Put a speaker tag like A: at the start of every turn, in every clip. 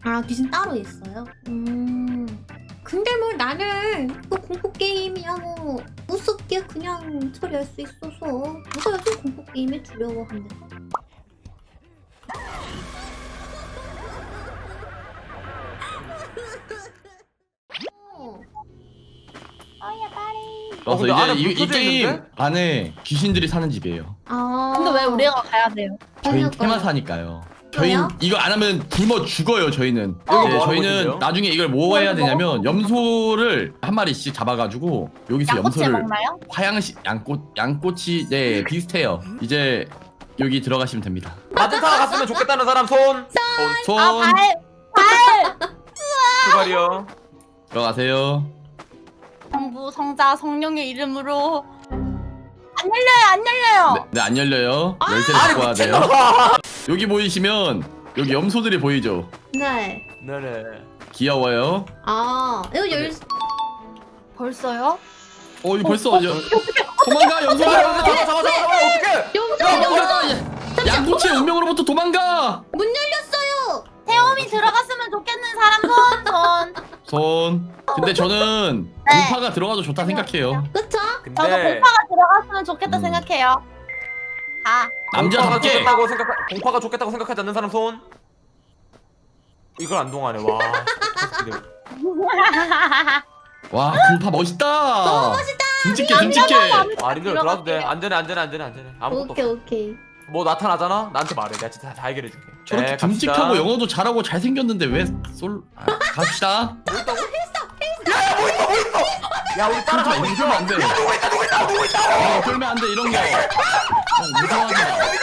A: 아, 귀신 따로 있어요? 근데 뭐 나는 뭐 공포 게임이야 뭐 우습게 그냥 처리할 수 있어서 누가 요즘 공포 게임에 두려워합니까?
B: 그래서
C: 근데 안에
B: 이제
C: 불
B: 이
C: 켜져
B: 게임
C: 있는데?
B: 안에 귀신들이 사는 집이에요.
A: 아,
D: 근데 왜 우리가 가야 돼요?
B: 저희
A: 그러니까요.
B: 테마사니까요. 저희
A: 왜요?
B: 이거 안 하면 굶어 죽어요. 저희는.
C: 여기
B: 네,
C: 뭐 하는
B: 저희는
C: 곳인데요?
B: 나중에 이걸 뭐 해야 되냐면 염소를 한 마리씩 잡아가지고 여기서
D: 양꼬치
B: 염소를
D: 먹나요?
B: 화양식 양꼬치 네 비슷해요. 이제 여기 들어가시면 됩니다.
C: 마트타 갔으면 좋겠다는 사람 손.
B: 손
D: 발!
C: 출발이요.
B: 들어가세요.
D: 성부, 성자, 성령의 이름으로 안 열려요, 안 열려요.
B: 네, 안 열려요. 열쇠를
C: 아니
B: 갖고 와야 돼요.
C: 미친놈아.
B: 여기 보이시면 여기 염소들이 보이죠?
A: 네.
C: 네네.
B: 귀여워요.
A: 아, 이거
D: 벌써요?
B: 이거 벌써 도망가 염소야.
C: 잠깐 어떡해?
A: 염소!
B: 양꼬치의 운명으로부터 도망가.
A: 문 열렸어요!
D: 태움이 들어갔으면 좋겠는 사람 손.
B: 손. 근데 저는
D: 네.
B: 공파가 들어가도 좋다 생각해요.
A: 그쵸?
D: 저도
C: 근데
D: 공파가 들어갔으면 좋겠다
B: 음.
D: 생각해요. 아,
B: 남자답게.
C: 공파가 좋겠다고 생각하지 않는 사람 손. 이걸 안 동하네. 와.
B: 와 공파 멋있다.
A: 너무 멋있다!
B: 듬직해 듬직해.
C: 아 님들 들어와도 돼. 안전해. 아무것도
A: 오케이,
C: 없어.
A: 오케이.
C: 뭐 나타나잖아. 나한테 말해. 내가 진짜 다 해결해줄게.
B: 저렇게
C: 네, 갑시다.
B: 듬직하고 영어도 잘하고 잘생겼는데 왜 갑시다.
C: 야 우리 따라가.
B: 그러지 마, 이러면 안 돼. 그러면 안 돼 이런 거. 무서워하지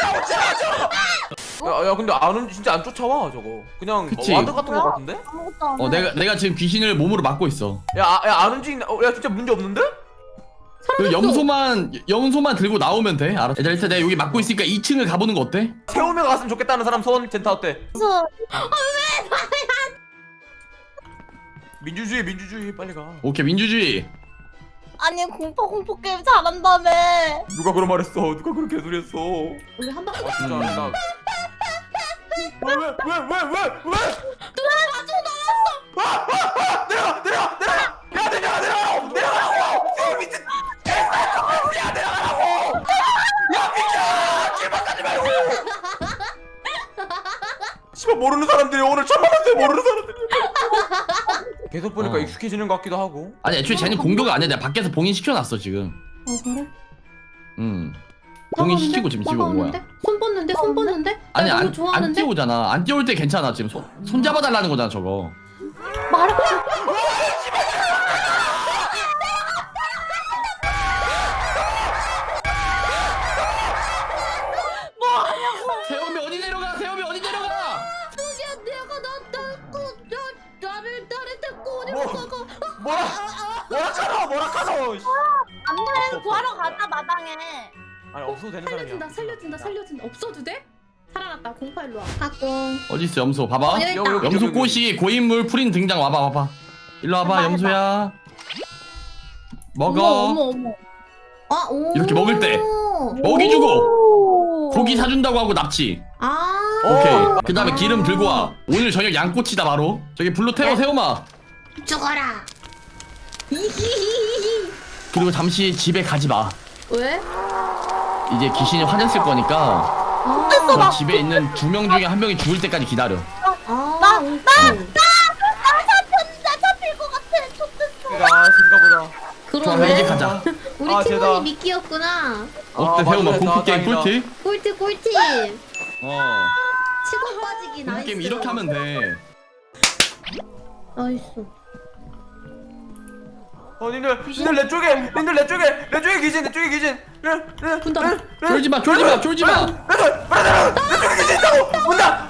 B: 마.
C: 야 근데 진짜 안 쫓아와 저거. 그냥
B: 그치.
C: 와드 같은 거 같은데?
D: 아무것도 안 해.
B: 내가 지금 귀신을 몸으로 막고 있어.
C: 안 움직인다. 야 진짜 문제 없는데?
B: 그 염소만 들고 나오면 돼. 알았어. 일단 내가 여기 막고 있으니까 2층을 가보는 거 어때?
C: 세우며 갔으면 좋겠다는 사람 손. 젠타 어때?
D: 그래서
C: 민주주의 빨리 가.
B: 오케이 민주주의.
D: 아니 공포 게임 잘한다며.
C: 누가 그런 말했어? 누가 그렇게 개소리했어?
A: 우리 한 방.
C: 아 진짜 나. 왜?
A: 누나 가지고 나왔어!
C: 내려가! 야 내려가라고! 미친! 야 내려가라고! 야 비켜! 길막하지 말고! 씨발 모르는 사람들이 오늘 처음 봤어요. 모르는 사람들이. 계속 보니까 익숙해지는 것 같기도 하고.
B: 아니 애초에 쟤는 공격을 안 해. 내가 밖에서 봉인 시켜놨어 지금.
A: 그래?
B: 봉인 시키고 지금 집에 온 거야.
A: 손 뻗는데?
B: 아니
A: 나 이거
B: 안
A: 좋아하는데?
B: 뛰어오잖아. 안 뛰어올 때 괜찮아. 지금 손 잡아달라는 거잖아 저거.
A: 말해.
B: 세움이 어디 내려가? 세움이 어디 내려가?
A: 누구야? 나를 데리고 어디
C: 뭐?
A: 못 가고.
C: 뭐라카노.
D: 안돼 구하러 가자 마당에.
C: 아니 없어도 되는 사람이야.
A: 살려준다. 없어도 돼? 살아났다. 공파 일로 와. 학공.
B: 어디 있어 염소? 봐봐.
A: 여기 있다.
C: 여기.
B: 염소 꽃이 고인물 프린 등장. 와봐. 일로 와봐
D: 해봐.
B: 염소야. 먹어.
D: 어머.
A: 아, 오.
B: 이렇게 먹을 때. 먹이 주고 고기 사준다고 하고 납치.
A: 아.
B: 오케이.
C: 오.
B: 그 다음에 기름 들고 와. 오늘 저녁 양꼬치다 바로. 저기 불로 태워 세우마.
A: 죽어라. 이히히히히.
B: 그리고 잠시 집에 가지 마.
A: 왜?
B: 이제 귀신이 화냈을 거니까
A: 아.
B: 저 집에 있는 2명 중에 1명이 죽을 때까지 기다려.
A: 아.
D: 나 잡힐 것 같아. 좋댔어.
C: 내가 신가보다.
B: 좋아
A: 그러네.
B: 이제 가자.
A: 우리
C: 아,
A: 팀원이
C: 쟤다.
A: 미끼였구나.
B: 어때
C: 맞네.
B: 세우마 공포 게임
C: 다행이다.
B: 꿀팁?
A: 꿀팁.
B: 어.
A: 치고 빠지기
B: 공포
A: 나이스.
B: 게임 이렇게 하면 돼.
A: 나이스.
C: 님들 내 쪽에 귀신.
A: 분다.
B: 쫄지 마.
C: 내 쪽에 귀신 있다고. 문다.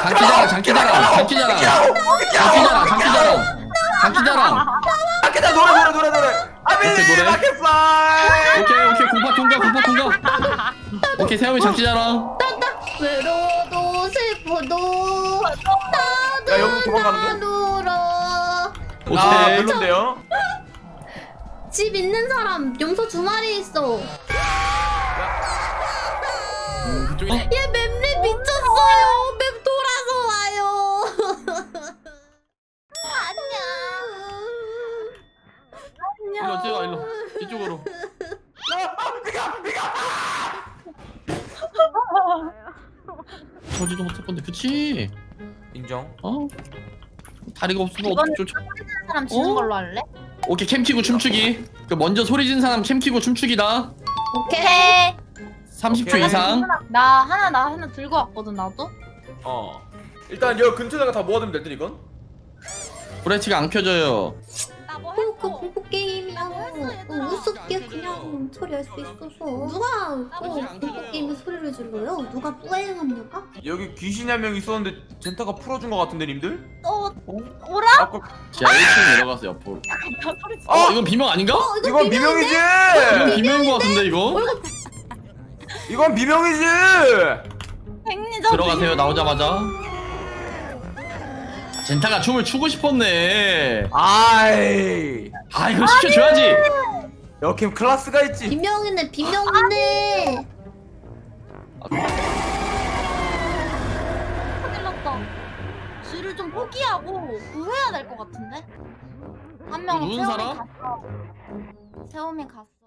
B: 장기자랑.
C: 밖에다 노래. 아미
B: 오케이, 노래.
C: 마켓사이.
B: 오케이 공파 통과. 오케이 세움이 장기자랑.
A: 외로워도 슬퍼도
C: 야 여기 도망가는데?
A: 울어.
C: 아
B: 오케이.
C: 별론데요?
A: 집 있는 사람 염소 2마리 있어.
B: 그쪽에.
A: 얘 맵리 미쳤어요. 맵 돌아서 와요.
B: 저지도 못할 건데 그치?
C: 인정.
B: 어? 다리가 없으면
D: 이거는
B: 어떻게 쫓아?
D: 는 사람 지는
B: 어?
D: 걸로 할래?
B: 오케이 캠 키고 춤추기. 그 먼저 소리 진 사람 캠 키고 춤추기다.
A: 오케이.
B: 30초
C: 오케이.
B: 이상.
D: 나 하나 들고 왔거든 나도.
C: 일단 여기 근처다가 다 모아두면 될 듯 이건.
B: 브레치가 안 켜져요.
D: 나 뭐
A: 그
D: 했어?
A: 공포 게임이야.
D: 얘들아.
A: 우습게 그냥 처리할 수 있어서. 누가 공포 게임에 소리를 질러요? 누가 뿌행합니까?
C: 여기 귀신이 한 명 있었는데 젠타가 풀어준 것 같은데 님들?
D: 오라?
C: 아까
B: 자 1층 내려가서 옆으로.
D: 나 소리 지
B: 이건 비명 아닌가?
C: 이건 비명이지.
B: 이건 비명인 것 같은데 이거?
C: 이건 비명이지.
D: 백리전.
B: 들어가세요 나오자마자. 젠타가 춤을 추고 싶었네.
C: 아이.
B: 아 이거 시켜줘야지.
C: 여캠 클래스가 있지.
A: 비명이네 비명이네.
D: 찔렀다. 쥐를 좀 포기하고 구해야 될 것 같은데? 한 명은
B: 누군
D: 세움이
B: 사람?
D: 갔어. 세움이 갔어.